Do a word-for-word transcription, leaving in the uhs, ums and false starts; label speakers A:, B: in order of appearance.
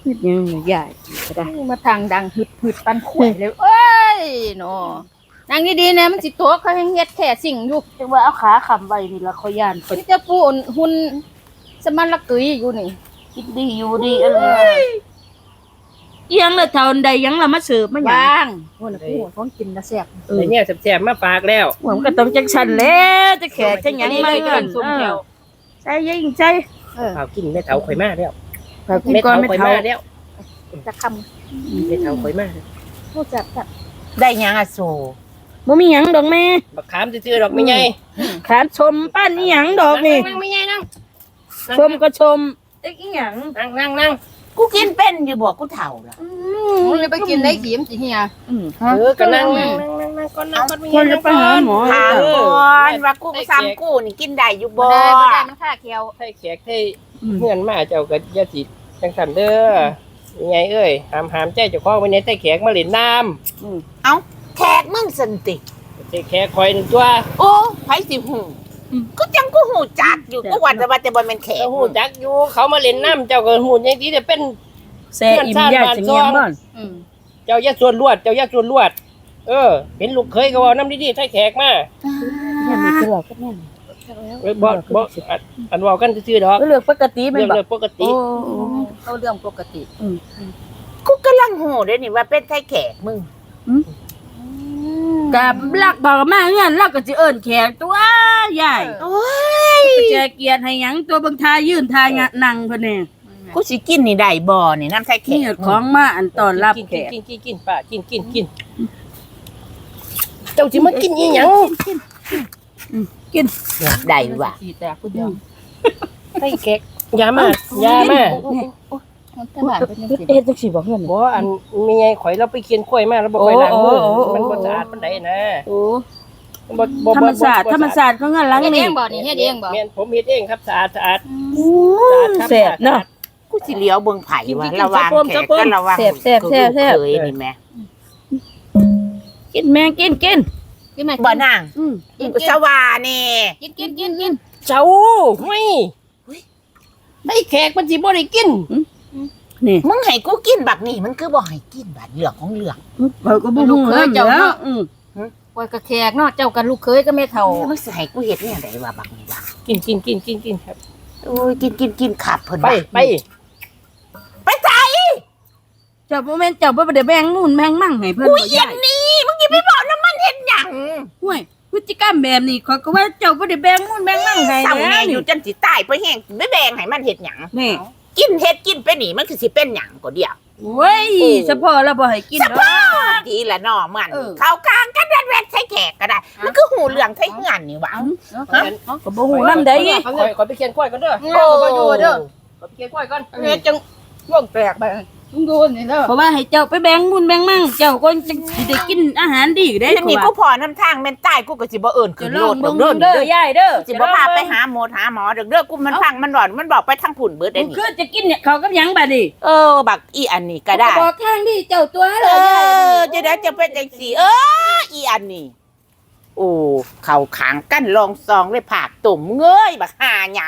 A: เฮ็ดหยังใหญ่ก็ได้
B: มาทางดังหึดหึดปันข่วยเลยเอ้ยเนาะนั่งดีๆนะมันสิโตเขายังเฮ็ดแท้สิ่งอยู่
A: จังว่าเอาขาค้ำไว้นี่ละเขาย่านเพิ่น
B: นี่จะปูนหุ่นสมันละกึยอยู่นี่
A: กินดีอยู่ดีอะไรเอียงละเท่าใดยังละมาเสิร์ฟมาหยัง
B: บ้างโอ้น่ะกูของกินน่ะแซ่บ
A: เออ
C: แต่เนี่ยแซ่บๆมาฝากแล้ว
A: หัวมันก็ต้องจังซั่นแหล้วจะแขกจะหยังมา
B: เล
A: เงิน
B: ส้มแก้ว
A: ใส่ยิงใจ
B: เออ
C: ฝากกินแม่เฒ่าข่อยมาแล้ว
A: ฝากกินก่อนไม่
C: ข่อย
A: เท่า
C: มาแล้ว
B: จะคำ
C: แม่เฒ่าข่อยมา
B: ผู้จัดจัด
D: ได้หยังอะโซ
A: บ่มีหยังดอกแม่
C: บักขามซื่อๆดอกไม่ใหญ่
A: ขานชมป้านอีหยังดอกนี่
C: นั่งๆไม่ใหญ่นั่ง
A: ชมก็ชมเอ๊ะอีหยัง
C: นั่งนั่งนั่ง
D: กูกินเป็นอยู่บ่กูเฒ่าละ
B: มึงเลยไปกินได้ขีมสิเฮีย
A: อืม
C: เออก็นั่งนั่งนั่งนั่งนั่งก่อนนั่งก่อนไม่
A: คนจะไปหาหมอ
D: ถามก่อนว่ากูซ้ำกูนี่กินได้อยู่
B: บ่
D: บ่
B: ได้บ่ได้มันค่าเคียว
C: ให้แขกให้เพื่อนมาเจ้าก็อย่าสิจังซั่นเด้อยังไงเอ้ยหามหามใจเจ้าของไว้ในใต้แขกมาเล่นน้ำ
D: เอ้าแขกมึงสันติ
C: ใช่แขกคอยหนึ่งตัว
D: โอ้ไผสิหูก็จังกูหูจักอยู่กูว่าแต่ว่าแต่บ่แม่นแขก
C: เจ้าหูจักอยู่เขามาเล่นน้ำเจ้าก็หูยังดีแต่เป็น
A: แซ่อิ่มยาสิเงียบบ่อน
B: อืม
C: เจ้าอย่าส่วนลวด เจ้าอย่าส่วนลวด เออ เห็นลูกเคยก็ว่าน้ำดีๆใส่แขกมา
A: แม่มีเกลือก็แม่น
C: เอ้ยบ่บ่อันอันเว้ากันซื่อๆดอก
A: เลือกปกติแม่
C: เรื่
A: น
C: อง
A: บ่
C: เรื่องปกติ
A: โอ้
B: เอาเรื่องปกติ
D: กูกำลังหูเด้นี่ว่าเป็นไทแขกมึง
A: กับลักบอกมาเงินลักก็สิเอิ้นแขกตัวใหญ่
D: โอ้ย
A: แจกเกียรติให้หยังตัวบางทายืนทายะนั่งเพิ่นนี่
D: กูสิกินนี่ได้บ่นี่น้ำไทแข
A: นี่
D: ก
A: ของมาอันต้อนรับ
C: กิน
A: แข
C: กิน
A: ก
C: กินกินกินป้ากินกินกินเจ้าสิมากินอีหยัง
A: กิน
D: ได้ว่ะ
B: สีแตกผู้เดียว
C: ใส่แขกอยามาอยามา
B: มันตลาดเป็นจังซี่
A: เฮ็ดจังซี่บ่เงิน
C: บ่อันมีไงข่อยเราไปเคียนข้อยมาแล้วบ่ค่อยล้างมือ
A: โอ้โอ้โอ้
C: มันบ่สะอาดปานใดนะ
A: โอ้
C: บ่บ่
A: ธรรมศาสตร์ธรรมศาสตร์เขาเงินหลัง
B: เฮ็ดเอ
A: นี่
B: งบ่นี่เฮ็ดเองบ่
C: แม่นผมเฮ็ดเองครับสะอาดสะอาด
A: อู้แซ่บเนาะ
D: กูสิเลี้ยวเบิ่งไผว่า
A: กินๆ
D: ระวัง
A: จับปม
D: แข
A: จับ
D: ก
A: ปม
D: ก็ระวัง
A: แซ่บแซ่บแซ่บแซ่บ
D: เคยนี่แม่
A: กินแม่กินกิน
B: กินไหม
D: บ่นาง
A: อืม
D: กูสว่านี่
B: กินกินกินกิน
C: เจ้าไม่ได้แขกมันสิบ่ได้กิน
A: นี่
D: มึงให้กูกินบักนี่มันคือบ่ให้กินบัดเหลืองของเหลือง
A: เขาก็บ่ฮู้แล้วเจ้าเนาะอืม
B: ปล่อยกระแขกเนาะเจ้ากับลูกเคยก็แม่เฒ่า
D: มึงสิให้กูเฮ็ดแนวใดว่าบักนี่ว่า
C: กินกินกินกินกินครับ
D: โอ้ยกินกินกินขับเพิ่น
C: ไป
D: ว่า
C: ไป
D: ไปใจ
A: เจ้าบ่แม่นเจ้าบ่ได้แบ่งนู่นแบ่งมั่งให้เพิ่น
D: กู
A: บ่
D: เย็
A: ย้าน ย
D: นี่มึงอย่าไปบอกน้ำมันเฮ็ดหยัง
A: ห้วยพฤติกรรมแบบนี้ข้อยก็ว่าเจ้าบ่ได้แบ่งนู่นแบ่งมั่งให้
D: ซ้ำ
A: แล้
D: แน่
A: ว
D: อ
A: นี่
D: ยู่จังสิตายไปแห้งไม่แบ่งให้มันเฮ็ดหยัง
A: นี่
D: กินเฮ็ดกินไปนี่มันคือสิเป็นหยังก็เดียว
A: โว้ยเฉพาะเราบ่ให้กิน
D: ส
A: ดอก
D: ภาพดีละน้อมัน
A: เออ
D: เข้ากลางกันแวดๆใช้แขกก็ได้ มันคือหูเหลืองใช้เหือนนี่หว่า
A: ก็บ่ฮู้นำได้
C: ขอยขอยไปเคียนกล้วยก่อนเด้อ
B: โอ้บ่อยู่เด้อ
C: ขอยไปเคียนกล้วยก่อน
B: เฮ็ดจังวงแตกไปมึงดูนี่เด้อ
A: เพราะว่าให้เจ้าไปแบ่งนู่นแบ่งมั่งเจ้าก็จะสิได้กินอาหารดีได้
D: เดี๋ยวนี้กูพอน้ำทางแม่นใต้กูก็สิบ่เอิ้น
A: จะ
D: ขึ้น
A: ล
D: โล
A: อง
D: ดด
A: เบิ่
D: อง กเด้อ
A: เด้
D: เด้
A: อ
D: อย
A: ายเด้อ
D: สิบ่พาไปหาหมอหาหมอเด้อเด้อกูมันพังมันหลอนมันบอกไปทางผุ่นเบิดได้
A: กู
D: นี่
A: คือจะกินเนี่ยเขากับหยังบัดนี้
D: เออบักอีอันนี้ก็ได้
A: บอกทางที่เจ้าตัว
D: เอ
A: เลย
D: อจะได้จะเป็นจังซี่เอออีอันนี้โอ้เข้าขางกันลองซองเลยผากตุ่มเงยบักหาหยา